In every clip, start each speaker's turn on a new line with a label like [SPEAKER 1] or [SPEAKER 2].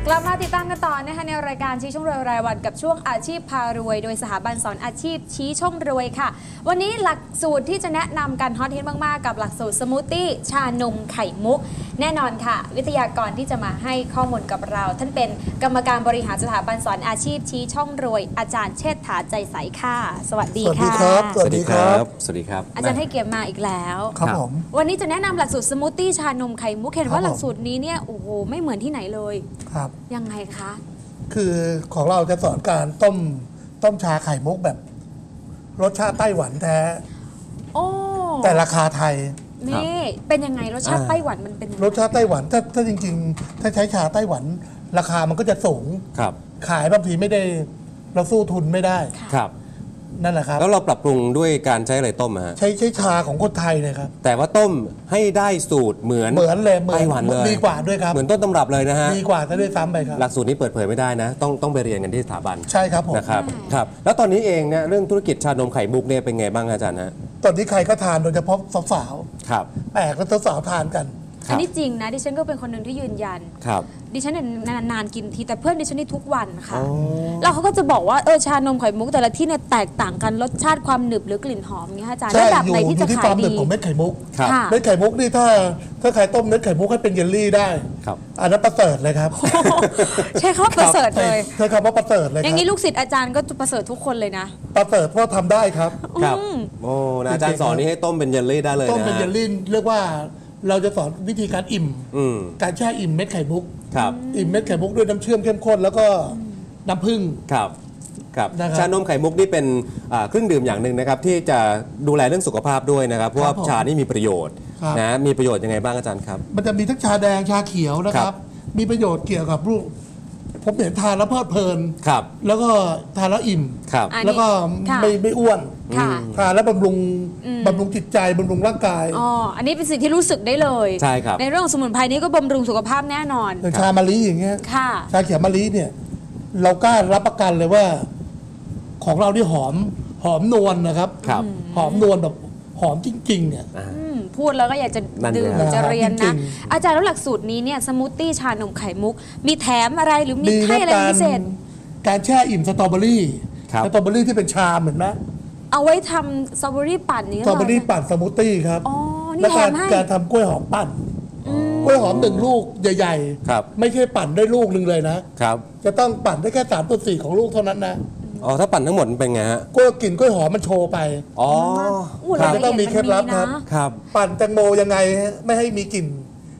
[SPEAKER 1] ลับมาติดตามกันต่อนะคะในรายการชี้ช่องรวยรายวันกับช่วงอาชีพพารวยโดยสถาบันสอนอาชีพชี้ช่องรวยค่ะวันนี้หลักสูตรที่จะแนะนำกันฮอตฮิตมากๆกับหลักสูตรสมูทตี้ชานมไข่มุกแน่นอนค่ะวิทยากรที่จะมาให้ข้อมูลกับเราท่านเป็นกรรมการบริหารสถาบันสอนอาชีพชี้ช่องรวยอาจารย์เชษฐาใจใสค่ะสวัสดีค่ะ
[SPEAKER 2] สวัสดีครับสวัสดีครับ
[SPEAKER 1] อาจารย์ให้เกียรติมาอีกแล้ว
[SPEAKER 3] ครับผม
[SPEAKER 1] วันนี้จะแนะนำหลักสูตรสมูทตี้ชานมไข่มุกเห็นว่าหลักสูตรนี้เนี่ยโอ้โหไม่เหมือนที่ไหนเลย
[SPEAKER 3] ครับ
[SPEAKER 1] ยังไงคะ
[SPEAKER 3] คือของเราจะสอนการต้มชาไข่มุกแบบรสชาติไต้หวันแท้
[SPEAKER 1] โอ้
[SPEAKER 3] แต่ราคาไทย
[SPEAKER 1] นี่เป็นยังไงรสชาติไต้หวันมันเป็นยังไง
[SPEAKER 3] รสชาติไต้หวันถ้าจริงๆถ้าใช้ชาไต้หวันราคามันก็จะสูง
[SPEAKER 2] ครับ
[SPEAKER 3] ขายบางทีไม่ได้เราสู้ทุนไม่ได้
[SPEAKER 2] ครับ
[SPEAKER 3] นั่นแหละครับ
[SPEAKER 2] แล้วเราปรับปรุงด้วยการใช้อะไรต้มฮะ
[SPEAKER 3] ใช้ชาของคนไทยเลยครับ
[SPEAKER 2] แต่ว่าต้มให้ได้สูตรเหมือน
[SPEAKER 3] เลย
[SPEAKER 2] ไต้หวันเลย
[SPEAKER 3] ดีกว่าด้วยครับ
[SPEAKER 2] เหมือนต้นตำรับเลยนะฮะ
[SPEAKER 3] ดีกว่าจะด้วยซ้ำไปครับ
[SPEAKER 2] หลักสูตรนี้เปิดเผยไม่ได้นะต้องไปเรียนกันที่สถาบัน
[SPEAKER 3] ใช่ครับผม
[SPEAKER 2] นะครับแล้วตอนนี้เองเนี่ยเรื่องธุรกิจชานมไข่มุกเนี่ยเป็นไงบ้างอาจารย์ฮะ
[SPEAKER 3] ตอนนี้ใครก็ทานโดยเฉพาะสาว
[SPEAKER 2] ๆครับ
[SPEAKER 3] แปลกแล้วสาวทานกัน
[SPEAKER 1] อันนี้จริงนะดิฉันก็เป็นคนหนึ่งที่ยืนยันดิฉันนานๆกินทีแต่เพื่อนดิฉันนี่ทุกวันค่ะแล้วเขาก็จะบอกว่าชานมไข่มุกแต่ละที่เนี่ยแตกต่างกันรสชาติความหนึบหรือกลิ่นหอมอย่างเงี้ยอาจารย์แบบไหนที่จะขายดี
[SPEAKER 3] ของเม็ดไข่มุกเม็ดไข่มุกนี่ถ้าใครต้มเม็ดไข่มุกให้เป็นเยลลี่ได้อันนั้นประเสริฐเลยครับ
[SPEAKER 1] ใช่คำว่าประเสริฐเลย
[SPEAKER 3] ใช่คำว่าประเสริฐเลย
[SPEAKER 1] อย่างนี้ลูกศิษย์อาจารย์ก็ประเสริฐทุกคนเลยนะ
[SPEAKER 3] ประเสริฐเพราะทำได้ครับ
[SPEAKER 2] ครับโอ้อาจารย์สอนนี่ให้ต้มเป็นเยลลี่ได้เลยนะ
[SPEAKER 3] ต้มเป็นเยลลี่เรียกว่าเราจะสอนวิธีการอิ่มการแช่อิ่มเม็ดไข่มุกอิ่มเม็ดไข่มุกด้วยน้ำเชื่อมเข้มข้นแล้วก็น้ำผึ้ง
[SPEAKER 2] ครับชานมไข่มุกนี่เป็นเครื่องดื่มอย่างหนึ่งนะครับที่จะดูแลเรื่องสุขภาพด้วยนะครับเพราะว่าชานี่มีประโยชน์นะมีประโยชน์ยังไงบ้างอาจารย์ครับ
[SPEAKER 3] มันจะมีทั้งชาแดงชาเขียวนะครับมีประโยชน์เกี่ยวกับรูปผมเห็นทานแล้วเพลิดเพลินแล้วก็ทานแล้วอิ่มแล้วก็ไม่อ้วนทานแล้วบำรุงจิตใจบำรุงร่างกาย
[SPEAKER 1] อันนี้เป็นสิ่งที่รู้สึกได้เลย
[SPEAKER 2] ใช่ครับ
[SPEAKER 1] ในเรื่องของสมุนไพรนี้ก็บำรุงสุขภาพแน่นอน
[SPEAKER 3] ชามะลิอย่างเงี้ยชาเขียวมะลิเนี่ยเรากล้ารับประกันเลยว่าของเราที่หอมนวลนะครับหอมนวลแบบหอมจริงๆเนี่ย
[SPEAKER 1] พูดแล้วก็อยากจะดื่มจะเรียนนะอาจารย์แล้วหลักสูตรนี้เนี่ยสมูทตี้ชานมไข่มุกมีแถมอะไรหรือมีให้อะไรพิเศษ
[SPEAKER 3] การแช่อิ่มสตรอเบอรี่ที่เป็นชาเหมือนไหม
[SPEAKER 1] เอาไว้ทำสตรอเบอรี่ปั่นนี้
[SPEAKER 3] สตรอเบอรี่ปั่นสมูทตี้ครับและการทำกล้วยหอมปั่นกล้วยหอม1ลูกใหญ่ๆไม่ใช่ปั่นได้ลูกนึงเลยนะครับจะต้องปั่นได้แค่3/4ของลูกเท่านั้นนะ
[SPEAKER 2] ถ้าปั่นทั้งหมดเป็นไงฮะ
[SPEAKER 3] กล้วยหอมมันโชว์ไปมันจะต้องมีเคล็ดลับครับปั่นแตงโมยังไงไม่ให้มีกลิ่น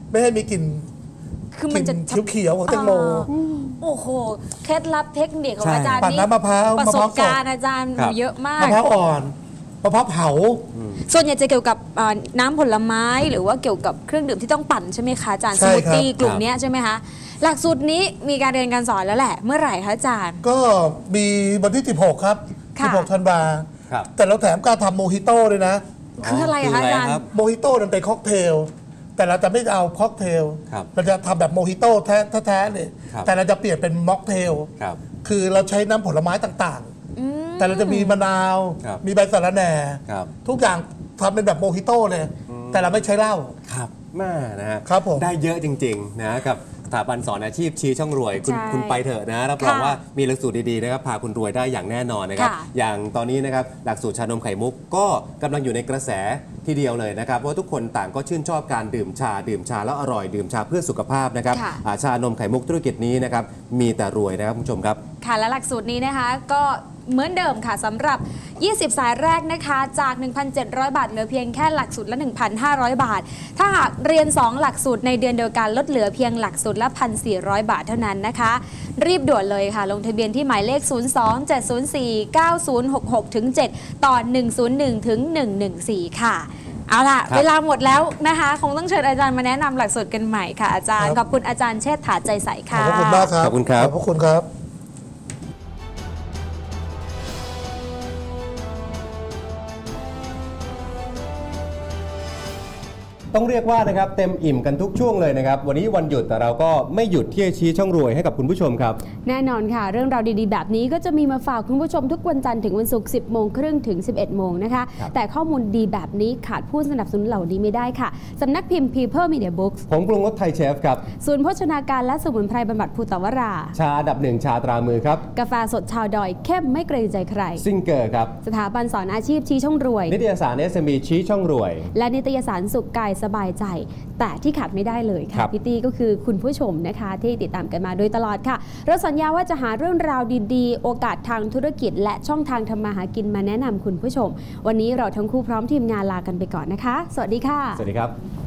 [SPEAKER 1] คือมันจะ
[SPEAKER 3] เขียวๆของแตงโม
[SPEAKER 1] โอ้โหเคล็ดลับเทคนิคของอาจารย์
[SPEAKER 3] นี่มะพร้าว
[SPEAKER 1] ประสบการณ์อาจารย์เยอะมาก
[SPEAKER 3] มะพร้าวอ่อนมะพร้าวเผา
[SPEAKER 1] ส่วนใหญ่จะเกี่ยวกับน้ำผลไม้หรือว่าเกี่ยวกับเครื่องดื่มที่ต้องปั่นใช่ไหมคะอาจารย์สมูทตี้กลุ่มนี้ใช่ไหมคะหลักสูตรนี้มีการเรียนการสอนแล้วแหละเมื่อไหร่คะอาจารย์
[SPEAKER 3] ก็มีวันที่16ครับ16ธันวาแต่เราแถมการทำโมฮิโต้ด้วยนะ
[SPEAKER 1] คืออะไรคะอาจารย์
[SPEAKER 3] โมฮิโต้มันเป็นค็อกเทลแต่เราจะไม่เอาค็อกเทลเราจะทำแบบโมฮิโต้แท้ๆเลยแต่เราจะเปลี่ยนเป็นม็อกเทลคือเราใช้น้ำผลไม้ต่างๆแต่เราจะมีมะนาวมีใบสะระแหน่ทุกอย่างทำเป็นแบบโมฮิโต้เลยแต่เราไม่ใช้เหล้า
[SPEAKER 2] ครับแม่นะฮะ
[SPEAKER 3] ได้
[SPEAKER 2] เยอะจริงๆนะกับสถาบันสอนอาชีพชี้ช่องรวยคุณไปเถอะนะรับรองว่ามีหลักสูตรดีๆนะครับพาคุณรวยได้อย่างแน่นอนนะครับอย่างตอนนี้นะครับหลักสูตรชานมไข่มุกก็กำลังอยู่ในกระแสทีเดียวเลยนะครับเพราะทุกคนต่างก็ชื่นชอบการดื่มชาแล้วอร่อยดื่มชาเพื่อสุขภาพนะครับชานมไข่มุกธุรกิจนี้นะครับมีแต่รวยนะครับคุณผู้ชมครับ
[SPEAKER 1] ค่ะและหลักสูตรนี้นะคะก็เหมือนเดิมค่ะสำหรับ20สายแรกนะคะจาก 1,700 บาทเหลือเพียงแค่หลักสูตรละ 1,500 บาทถ้าหากเรียน2หลักสูตรในเดือนเดียวกันลดเหลือเพียงหลักสูตรละ 1,400 บาทเท่านั้นนะคะรีบด่วนเลยค่ะลงทะเบียนที่หมายเลข 02-704-9066-7 ต่อ 101-114 ค่ะเอาล่ะเวลาหมดแล้วนะคะคงต้องเชิญอาจารย์มาแนะนำหลักสูตรกันใหม่ค่ะอาจารย์ขอบคุณอาจารย์เชษฐาใจใสค่ะ
[SPEAKER 3] ขอบคุณมากครับ
[SPEAKER 2] ขอบคุณครับ
[SPEAKER 3] ขอบคุณครับ
[SPEAKER 2] ต้องเรียกว่านะครับเต็มอิ่มกันทุกช่วงเลยนะครับวันนี้วันหยุดแต่เราก็ไม่หยุดที่จะชี้ช่องรวยให้กับคุณผู้ชมครับ
[SPEAKER 1] แน่นอนค่ะเรื่องราวดีๆแบบนี้ก็จะมีมาฝากคุณผู้ชมทุกวันจันทร์ถึงวันศุกร์ 10 โมงครึ่งถึง 11 โมงนะคะแต่ข้อมูลดีแบบนี้ขาดผู้สนับสนุนเหล่านี้ไม่ได้ค่ะสำนักพิมพ์ People Media Books
[SPEAKER 2] ผมปรุงรสไทยเชฟครับ
[SPEAKER 1] ศูนย์โภชนาการและสมุนไพรบำบัดภูตวรา
[SPEAKER 2] ชาอันดับ 1ชาตรามือครับ
[SPEAKER 1] กาแฟสดชาวดอยเข้มไม่เกรงใจใคร
[SPEAKER 2] ซิงเกอร์ครับ
[SPEAKER 1] สถาบันสอนอาชีพชี้ช่องรวย
[SPEAKER 2] นิตยสาร SME ชี้ช่องรวย
[SPEAKER 1] และนิตยสารสุขกายสบายใจแต่ที่ขาดไม่ได้เลยค่ะพี่ตี้ก็คือคุณผู้ชมนะคะที่ติดตามกันมาโดยตลอดค่ะเราสัญญาว่าจะหาเรื่องราวดีๆโอกาสทางธุรกิจและช่องทางทำมาหากินมาแนะนำคุณผู้ชมวันนี้เราทั้งคู่พร้อมทีมงานลากันไปก่อนนะคะสวัสดีค่ะ
[SPEAKER 2] สวัสดีครับ